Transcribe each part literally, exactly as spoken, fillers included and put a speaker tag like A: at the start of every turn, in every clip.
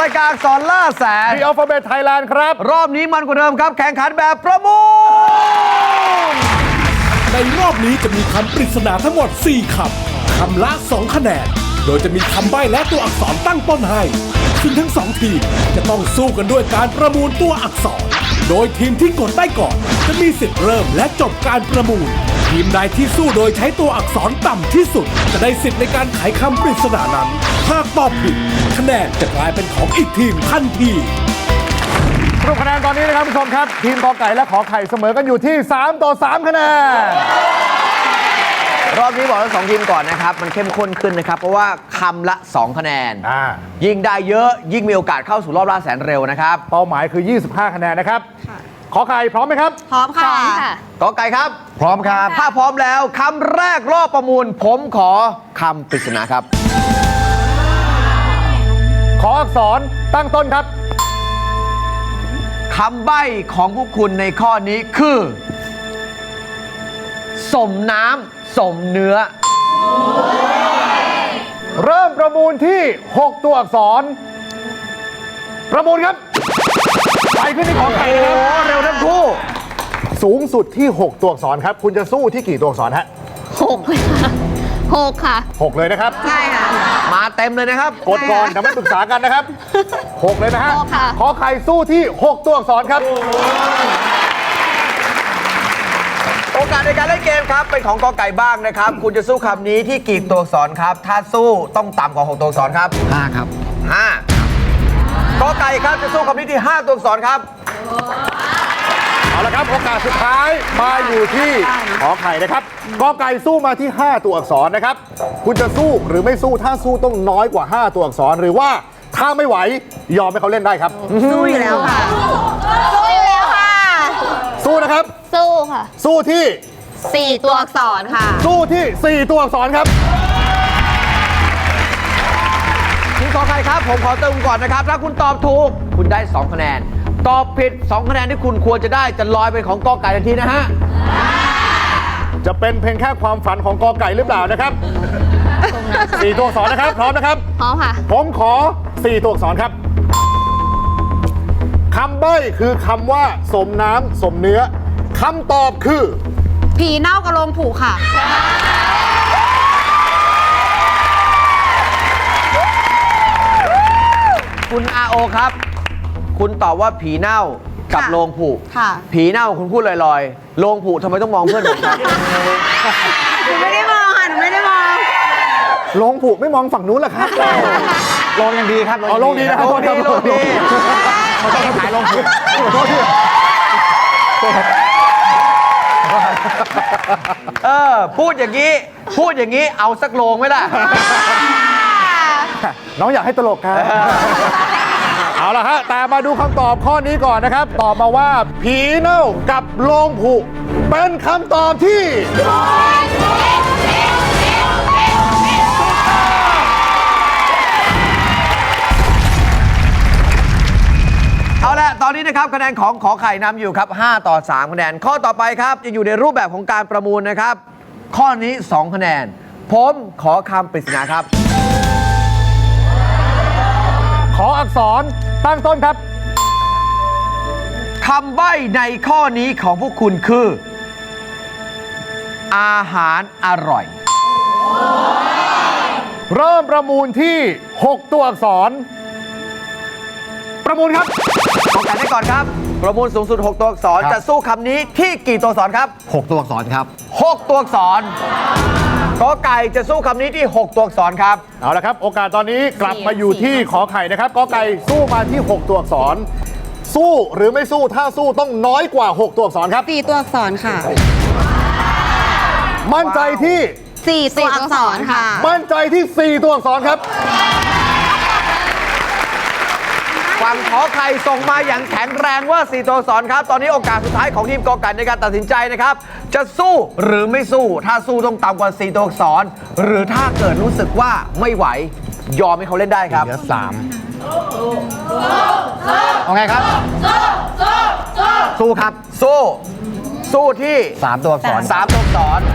A: ายการอักษรล่าแสน
B: The Alphabet Thailand ครับ
A: รอบนี้มันกว่าเดิมครับแข่งขันแบบประมูล
C: ในรอบนี้จะมีคำปริศนาทั้งหมดสี่คำคำละสองคะแนนโดยจะมีคำใบ้และตัวอักษรตั้งต้นให้ซึ่งทั้งสองทีมจะต้องสู้กันด้วยการประมูลตัวอักษรโดยทีมที่กดได้ก่อนจะมีสิทธิ์เริ่มและจบการประมูลทีมใดที่สู้โดยใช้ตัวอักษรต่ำที่สุดจะได้สิทธิ์ในการไขคำปริศนานั้นหากตอบผิดคะแนนจะกลายเป็นของอีกทีมทันที
B: สรุปคะแนนตอนนี้นะครับผู้ชมครับทีมกอไก่และขอไข่เสมอกันอยู่ที่สามต่อสามคะแนน
A: รอบนี้บอกทั้งสองทีมก่อนนะครับมันเข้มข้นขึ้นนะครับเพราะว่าคำละสองคะแนนยิ่งได้เยอะยิ่งมีโอกาสเข้าสู่รอบล่าแสนเร็วนะครับ
B: เป้าหมายคือยี่สิบห้าคะแนนนะครับขอไข่พร้อมไหมครับ
D: พร้อมค่ะ
A: กอไก่ครับ
B: พร้อมครับ
A: ถ้าพร้อมแล้วคำแรกรอบประมูลผมขอคำปริศนาครับ
B: ขออักษรตั้งต้นครับ
A: คำใบ้ของพวกคุณในข้อนี้คือสมน้ำสมเนื้อ
B: เริ่มประมูลที่หกตัวอักษรประมูลครับไปขึ้นที่ของไข่นะครับ
A: เร็วทั้งคู่
B: สูงสุดที่หกตัวอักษรครับคุณจะสู้ที่กี่ตัวอักษรฮะ
D: หกเลยค่ะหกค่ะ
B: หกเลยนะครับ
D: ใช่ค่ะ
A: มาเต็มเลยนะครับ
B: กดก่อนเดี๋ยวไม่ปรึกษากันนะครับหกเลยนะฮะขอไข่สู้ที่หกตัวอักษรครับ
A: โอกาสในการเล่นเกมครับเป็นของกอไก่บ้างนะครับคุณจะสู้คำนี้ที่กี่ตัวอักษรครับถ้าสู้ต้องต่ำกว่าหกตัวอักษรครับ
E: ห้าครับ
A: ห้ากอไก่ครับจะสู้คำนี้ที่ห้าตัวอักษรครับ
B: เอาละครับโอกาสสุดท้ายมาอยู่ที่ขอไข่นะครับกอไก่สู้มาที่ห้าตัวอักษรนะครับคุณจะสู้หรือไม่สู้ถ้าสู้ต้องน้อยกว่าห้าตัวอักษรหรือว่าถ้าไม่ไหวยอมให้เขาเล่นได้ครับ
D: สู้อยู่แล้วค่ะสู้อยู่แล้วค่ะ
B: สู้นะครับ
D: สู้ค่ะ
B: สู้ที่
D: สี่ตัวอักษรค่ะ
B: สู้ที่สี่ตัวอักษรครับ
A: ทีมกอไก่ครับผมขอเติมก่อนนะครับถ้าคุณตอบถูกคุณได้สองคะแนนตอบผิดสองคะแนนที่คุณควรจะได้จะลอยเป็นของกอไก่ทันทีนะฮะ
B: จะเป็นเพียงแค่ความฝันของกอไก่หรือเปล่านะครับสี่ตัวอักษรนะครับพร้อมนะครับ
D: พร้อมค่ะ
B: ผมขอสี่ตัวอักษรครับคำใบ้คือคำว่าสมน้ำสมเนื้อคำตอบคือ
D: ผีเน่ากระโลงผูกค่ะ
A: คุณอาโอครับคุณตอบว่าผีเน่ากับโลงผุผีเน่าคุณพูดลอยๆโลงผุทำไมต้องมองเพื่อนผมครับ
D: หนูไม่ได้มองค่ะหนูไม่ได้มอง
B: โลงผุไม่มองฝั่งนู้นหรอครับ
A: โลงยังดีครับ
B: อ๋อโลงดีนะครับโลงดีโลงดี
A: เขาต้องขายโลงผุเออพูดอย่างนี้พูดอย่างนี้เอาสักโลงไหมล่ะ
B: น้องอยากให้ตลกครับเอาละฮะแต่มาดูคำตอบข้อนี้ก่อนนะครับตอบมาว่าผีเน่ากับโลงผุเป็นคำตอบที่
A: เอาละตอนนี้นะครับคะแนนของขอไข่นำอยู่ครับห้าต่อสามคะแนนข้อต่อไปครับจะอยู่ในรูปแบบของการประมูลนะครับข้อนี้สองคะแนนผมขอคำปริศนาครับ
B: ขออักษรตั้งต้นครับ
A: คำใบ้ในข้อนี้ของพวกคุณคืออาหารอร่อย
B: เริ่มประมูลที่หกตัวอักษรประมูลครับ
A: ขอไก่ได้ก่อนครับประมูลสูงสุดหกตัวอักษรจะสู้คำนี้ที่กี่ตัวอักษรครับ
E: หกตัวอักษรครับ
A: หกตัวอักษรกอไก่จะสู้คำนี้ที่หกตัวอักษรครับ
B: เอาละครับโอกาสตอนนี้กลับมาอยู่ที่ขอไข่นะครับกอไก่สู้มาที่หกตัวอักษรสู้หรือไม่สู้ถ้าสู้ต้องน้อยกว่าหกตัวอักษรครับ
D: สี่ตัวอักษรค่ะ
B: มั่นใจที่
D: สี่ตัวอักษรค่ะ
B: มั่นใจที่สี่ตัวอักษรครับ
A: ฝั่งขอไข่ส่งมาอย่างแข็งแรงว่าสี่ตัวอักษรครับตอนนี้โอกาสสุดท้ายของทีมกอไก่ในการตัดสินใจนะครับจะสู้หรือไม่สู้ถ้าสู้ต้องต่ำกว่าสี่ตัวอักษรหรือถ้าเกิดรู้สึกว่าไม่ไหวยอมให้เขาเล่นได้ครับ
E: เหลือสามเอาไงครับ
A: สู้ครับสู้สู้ที่
E: สามตัวอักษร
A: สามตัวอักษร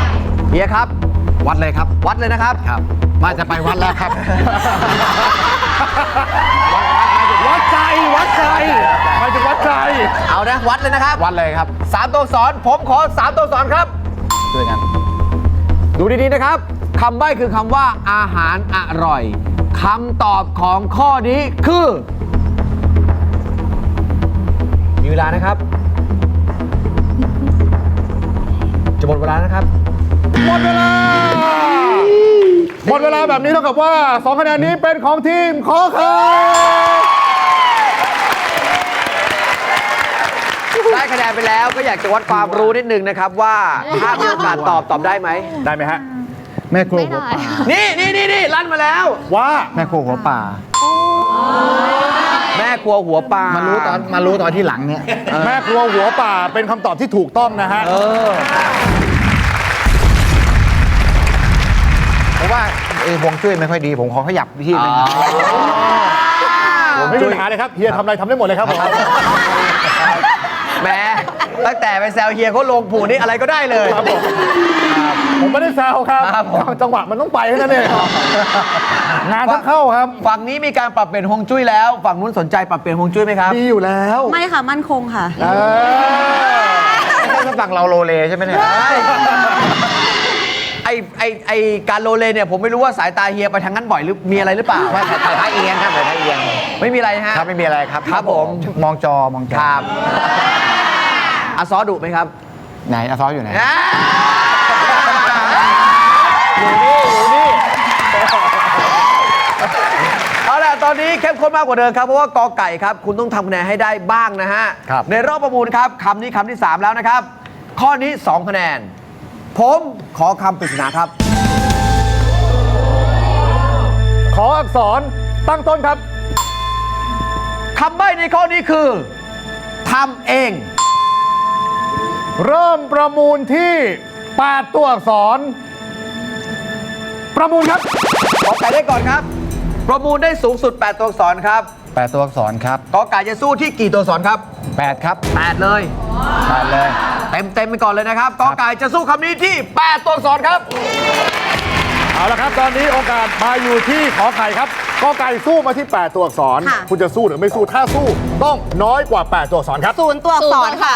A: เฮียครับ
E: วัดเลยครับ
A: วัดเลยนะครับ
E: ครับว่าจะไปวัดแล้วครับ
B: วัดใจวัดใจหมายถึงวัดใจ
A: เอานะวัดเลยนะครับ
E: วัดเลยครับ
A: สามตัวอักษรผมขอสามตัวอักษรครับ
E: ด้วยกัน
A: ดูดีๆนะครับคำใบ้คือคำว่าอาหารอร่อยคำตอบของข้อนี้คือ มีเวลานะครับ จะหมดเวลานะครับ
B: หมดเวลา หมดเวลาแบบนี้เท่ากับว่าสองคะแนนนี้เป็นของทีมขอไข่
A: ได้คะแนนไปแล้วก็อยากจะวัดความรู้นิดนึงนะครับว่าถ้ามีโอกาสตอบตอบได้ไหม
B: ได้ไหมฮะ
E: แม่ครัวหัวป่า
A: นี่นี่นี่นี่ลั่นมาแล้ว
B: ว่า
E: แม่ครัวหัวป่า
A: แม่ครัวหัวปลา
E: มารู้ตอนมารู้ตอนที่หลังเนี่ย
B: แม่ครัวหัวป่าเป็นคำตอบที่ถูกต้องนะฮะ
A: เออ
E: เพราะว่าเออฮวงจุ้ยไม่ค่อยดี ผมขอขยับที่นึง
B: ไม่มีปัญหาเลยครับเฮียทำอะไรทำได้หมดเลยครับผม
A: แหมตั้งแต่ไปแซวเฮียเขาลงผูนี่อะไรก็ได้เลย
B: ครับผมผมไม่ได้แซวครับ
A: ครับผม
B: จังหวะมันต้องไปแค่นั้นเองงานต้องเข้าครับ
A: ฝั่งนี้มีการปรับเปลี่ยนฮวงจุ้ยแล้ว ฝั่งนู้นสนใจปรับเปลี่ยนฮวงจุ้ยไหมครับ
B: ดีอยู่แล้ว
D: ไม่ค่ะ มั่นคงค่ะ
B: เออ
E: ถ้าฝั่งเราโลเลใช่ไหมเนี่ย
A: ไอไอไอการโลเลเนี่ยผมไม่รู้ว่าสายตาเฮียไปทางนั้นบ่อยหรือมีอะไรหรือเปล่า
E: ว่าถ่ายถ่ายท้ายเอียงครับถ่ายท้ายเอียง
A: ไม่มีอะไรฮะ
E: ครับไม่มีอะไรครับ
A: ครับผม
E: มองจอมองจอ
A: ครับอาซอดุไหมครับ
E: ไหนอาซอสอยู่ไหน
A: อ่า
B: อยู่นี่อยู่นี่
A: เอาล่ะตอนนี้เข้มข้นมากกว่าเดิมครับเพราะว่ากอไก่ครับคุณต้องทำคะแนนให้ได้บ้างนะฮะ
E: ครับ
A: ในรอบประมูลครับคำนี้คำที่สามแล้วนะครับ ข้อนี้สองคะแนน ผมขอคำปริศนาครับ
B: ขออักษรตั้งต้นครับ
A: คำใบ้ในข้อนี้คือทำเอง
B: เริ่มประมูลที่แปดตัวอักษร ประมูลครับ
A: กอไก่ได้ก่อนครับ ประมูลได้สูงสุดแปดตัวอักษรครับ
E: แปดตัวอักษรครับ
A: กอไก่จะสู้ที่กี่ตัวอักษรครับ
E: แปดครับ
A: แปดเลย
E: แปดเลย
A: เต็มเต็มๆไปก่อนเลยนะครับกอไก่จะสู้คำนี้ที่แปดตัวอักษรครับ
B: เอาละครับ ตอนนี้โอกาสมาอยู่ที่ขอไข่ครับกอไก่สู้มาที่แปดตัวอักษร
D: ค่ะ
B: คุณจะสู้หรือไม่สู้ถ้าสู้ต้องน้อยกว่าแปดตัวอักษรครับ
D: ศูนย์ตัวอักษรค่ะ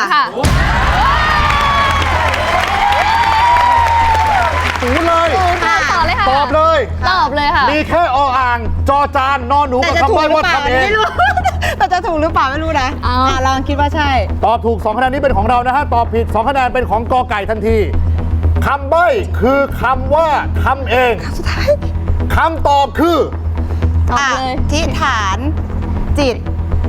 B: ศูนย์เลย
D: ค่ะ
F: ต่อเลยค่ะ
B: ตอบเลย
F: ตอบเลยค่ะ
B: มีแค่ออ่าง จอจานนอนหนู
D: แต่
B: กับ
D: จะ
B: คำ
D: ถูก
B: ใบ้
D: หรือ
B: ว่า
D: เปล่า
B: ทำเอง
D: ไม่รู้ แต่จะถูกหรือเปล่าไม่รู้นะ
F: เอา
D: อ่ะลองคิดว่าใช่
B: ตอบถูกสองคะแนนนี้เป็นของเรานะฮะ ตอบผิดสองคะแนนเป็นของกอไก่ทันทีคำใบ้คือคำว่าทำเองคำตอบคือ
F: ตอบ
D: อ่ะ
F: เลย
D: ทิฐานจิต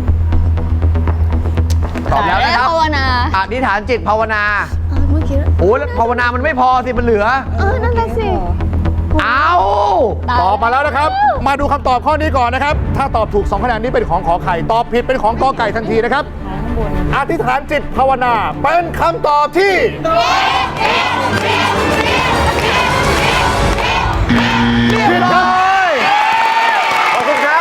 A: ตอบแล้วนะครับ
F: ภาวนา
A: อธิษฐานจิตภาวนา
F: เออเมื่อกี้
A: โอ้ยแล้วภาวนามันไม่พอสิมันเหลือ
F: เออ นั่นแหละสิ
A: เอา
B: ตอบมาแล้วนะครับ มาดูคำตอบข้อนี้ก่อนนะครับ ถ้าตอบถูกสองคะแนนนี้เป็นของขอไข่ ตอบผิดเป็นของกอไก่ทันทีนะครับ อธิษฐานจิตภาวนา เป็นคำตอบที่ผิดครับ
A: ขอบคุณครับ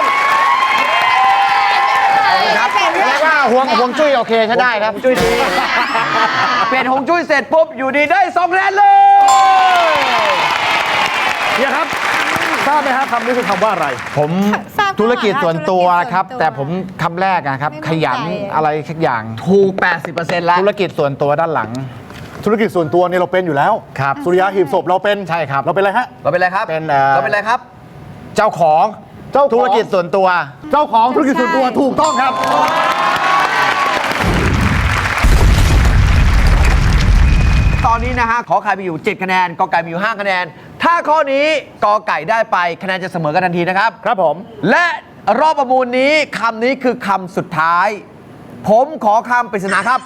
E: เรียกว่าฮวงฮวงจุ้ยโอเคใช้ได้ครับ
A: จุ้ยดี เปลี่ยนหงจุ้ยเสร็จปุ๊บ อยู่ดีได้สองคะแนนเลย
B: เนี่ยครับ ทราบไหมครับคำนี้คือคำว่าอะไร
E: ผม
D: ทราบค่ะ
E: ธุรกิจส่วนตัวครับ
D: ธุรกิจส่วนตัว
E: แต่ผมคำแรกนะครับ
D: ไม่
E: ข
D: มั่นใจ
E: ยันอะไรสักอย่าง
A: ถูก แปดสิบเปอร์เซ็นต์ แล้ว
E: ธุรกิจส่วนตัวด้านหลัง
B: ธุรกิจส่วนตัวเนี่ยเราเป็นอยู่แล้ว
E: ครับ
B: สุริยาหีบศพเราเป็น
E: ใช่ครับ
B: เราเป็นอะไรฮะ
A: เราเป็นอะไรครับ
E: เป็นเอ่อ
A: เราเป็นอะไรครับ
E: เจ้าของ
B: เจ้าของ
E: ธุรกิจส่วนตัว
B: เจ้าของธุรกิจส่วนตัวถูกต้องครับ
A: ตอนนี้นะฮะ ขอไข่มีอยู่ เจ็ด คะแนน กอไก่มีอยู่ ห้า คะแนน ถ้าข้อนี้กอไก่ได้ไปคะแนนจะเสมอกันทันทีนะครับ
B: ครับผม
A: และรอบประมูลนี้คำนี้คือคำสุดท้าย ผมขอคำปริศนาครับ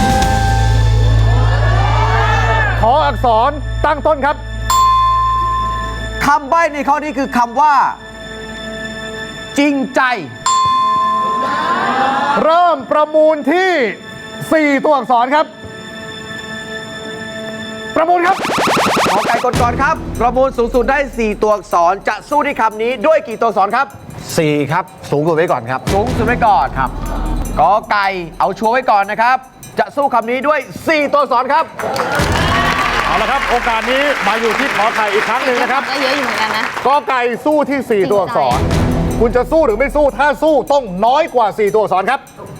B: ขออักษรตั้งต้นครับ
A: คำใบ้ในข้อนี้คือคำว่า จริงใจ
B: เริ่มประมูลที่ สี่ ตัวอักษรครับ ประมูลครับ
A: ขอไก่กดก่อนครับ ประมูลสูงสุดได้ สี่ ตัวอักษร จะสู้ที่คำนี้ด้วยกี่ตัวอักษรครับ
E: สี่ครับ สูงสุดไว้ก่อนครับ
A: สูงสุดไว้ก่อนครับกอไก่เอาชัวร์ไว้ก่อนนะครับ จะสู้คำนี้ด้วย สี่ ตัวอักษรครับ
B: เอาละครับ โอกาสนี้มาอยู่ที่ขอไข่อีกครั้งหนึ่งนะครับ
F: ก็เยอะอยู่เหมือนกันนะ
B: กอไก่สู้ที่ สี่ ตัวอักษรคุณจะสู้หรือไม่สู้ถ้าสู้ต้องน้อยกว่าสี่ตัวอักษรครับ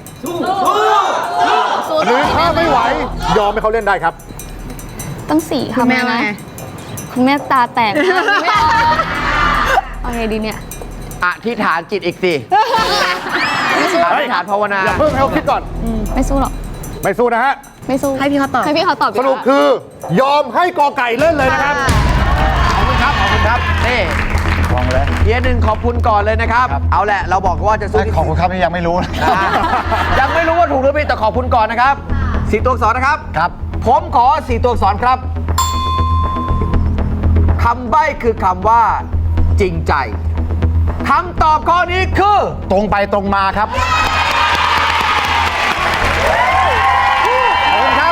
B: หรือถ้าไม่ไหวยอมให้เขาเล่นได้ครับ
F: ตั้งสี่
D: คุ
F: ค่ะ
D: ณแม่
F: แม่
D: ว่า
F: นะ
D: ไง
F: คุณแม่ตาแตกมากไม่เอาเอาไงดีเนี่ย
A: อธิษฐานจิตอีกสิอธิษฐานภาวนา
B: อย่าเพิ่งให้เขาคิดก่อน
F: ไม่สู้หรอก
B: ไม่สู้นะฮะ
F: ไม่สู้
D: ให้พี่เขาตอบ
F: ให้พี่เขาตอบดี
B: ส
F: กว่า
B: รุปคือยอมให้กอไก่เล่นเลยนะครับ
A: ขอบคุณครับ ขอบคุณครับ นี่
E: วางเลย
A: เฮียหนึ่งขอบคุณก่อนเลยนะครับ เอาแหละ เราบอกว่าจะสู้ที่
E: ขอบคุณครับนี่ยังไม่รู้นะ
A: อ่ายังไม่รู้ว่าถูกหรือผิดแต่ขอบคุณก่อนนะครับสี่ตัวอักษรนะครับ
E: ครับ
A: ผมขอสี่ตัวอักษรครับคำใบ้คือคำว่า จริงใจคำตอบข้อนี้คือ
E: ตรงไปตรงมาครับ
A: ขอบคุณครับ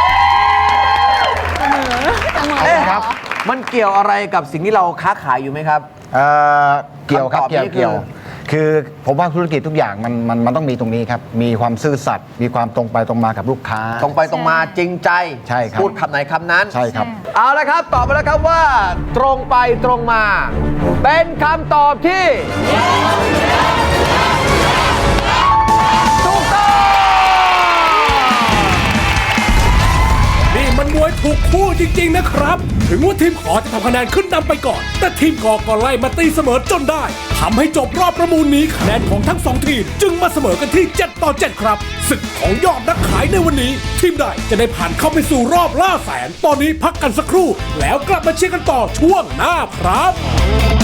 F: เสมอ
A: เอ๊ะ
E: ครับ
A: มันเกี่ยวอะไรกับสิ่งที่เราค้าขายอยู่ไหมครับ
E: เอ่อเกี่ยวครับ
A: คำตอบ
E: เกี่ยว
A: นี้คือ
E: เกี่ยว คือผมว่าธุรกิจทุกอย่างมันมันมันต้องมีตรงนี้ครับ มีความซื่อสัตย์มีความตรงไปตรงมากับลูกค้า
A: ตรงไปตรงมาจริงใจ
E: ใช่ครับ
A: พูดคำไหนคำนั้น
E: ใช่ครับ
A: เอาละครับ ตอบมาแล้วครับว่า ตรงไปตรงมา เป็นคำตอบที่ถูกต้อง
C: นี่มันมวยถูกคู่จริง ๆ นะครับ ถึงว่าทีมขอจะทำคะแนนขึ้นนำไปก่อน แต่ทีมกอก็ไล่มาตีเสมอจนได้ทำให้จบรอบประมูลนี้คะแนนของทั้งสองทีม จึงมาเสมอกันที่ เจ็ด ต่อ เจ็ด ครับศึกของยอดนักขายในวันนี้ ทีมใดจะได้ผ่านเข้าไปสู่รอบล่าแสน ตอนนี้พักกันสักครู่ แล้วกลับมาเชียร์กันต่อช่วงหน้าครับ